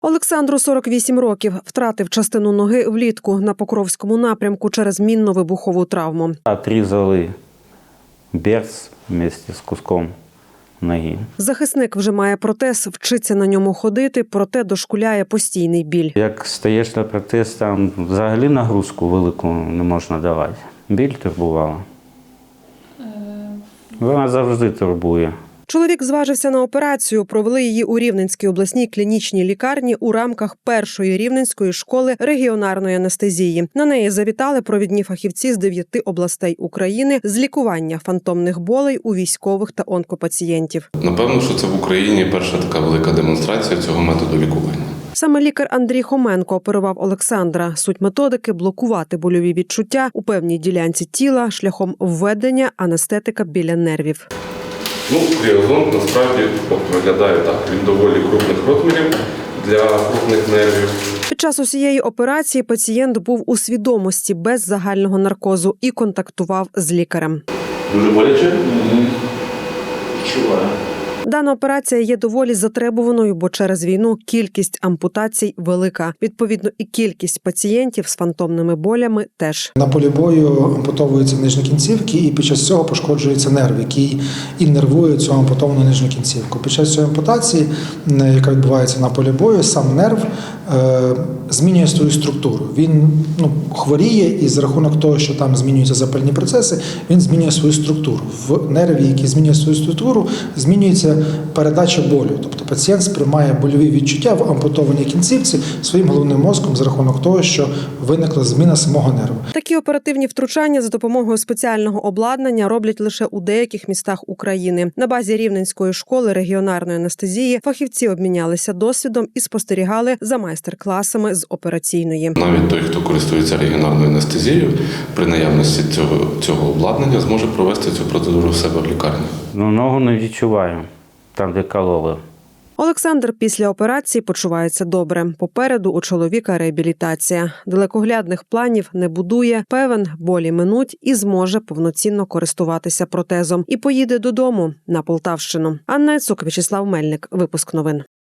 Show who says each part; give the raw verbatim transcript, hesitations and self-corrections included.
Speaker 1: Олександру сорок вісім років. Втратив частину ноги влітку на Покровському напрямку через мінно-вибухову травму.
Speaker 2: Отрізали берц вместе з куском ноги.
Speaker 1: Захисник вже має протез, вчиться на ньому ходити, проте дошкуляє постійний біль.
Speaker 2: Як стаєш на протез, там взагалі нагрузку велику не можна давати. Біль турбувала. Вона завжди турбує.
Speaker 1: Чоловік зважився на операцію. Провели її у Рівненській обласній клінічній лікарні у рамках першої Рівненської школи регіонарної анестезії. На неї завітали провідні фахівці з дев'яти областей України з лікування фантомних болей у військових та онкопацієнтів.
Speaker 3: Напевно, що це в Україні перша така велика демонстрація цього методу лікування.
Speaker 1: Саме лікар Андрій Хоменко оперував Олександра. Суть методики – блокувати больові відчуття у певній ділянці тіла шляхом введення анестетика біля нервів.
Speaker 3: Ну, кріозонт насправді виглядає так. Він доволі крупних розмірів для крупних нервів.
Speaker 1: Під час усієї операції пацієнт був у свідомості без загального наркозу і контактував з лікарем.
Speaker 3: Дуже боляче?
Speaker 4: Відчуваю.
Speaker 1: Дана операція є доволі затребуваною, бо через війну кількість ампутацій велика. Відповідно, і кількість пацієнтів з фантомними болями теж.
Speaker 5: На полі бою ампутовуються нижні кінцівки, і під час цього пошкоджується нерв, який і нервує цю ампутовану нижню кінцівку. Під час цієї ампутації, яка відбувається на полі бою, сам нерв е, змінює свою структуру. Він ну, хворіє, і за рахунок того, що там змінюються запальні процеси, він змінює свою структуру. В нерві, який змінює свою структуру, змінюється передача болю. Тобто пацієнт сприймає больові відчуття в ампутованій кінцівці своїм головним мозком за рахунок того, що виникла зміна самого нерву.
Speaker 1: Такі оперативні втручання за допомогою спеціального обладнання роблять лише у деяких містах України. На базі Рівненської школи регіонарної анестезії фахівці обмінялися досвідом і спостерігали за майстер-класами з операційної.
Speaker 3: Навіть той, хто користується регіонарною анестезією, при наявності цього, цього обладнання зможе провести цю процедуру в себе в лікарні.
Speaker 2: Ну, ногу не відчуваю, там де кололи.
Speaker 1: Олександр після операції почувається добре. Попереду у чоловіка реабілітація. Далекоглядних планів не будує, певен, болі минуть і зможе повноцінно користуватися протезом. І поїде додому на Полтавщину. Анна Яцук, В'ячеслав Мельник. Випуск новин.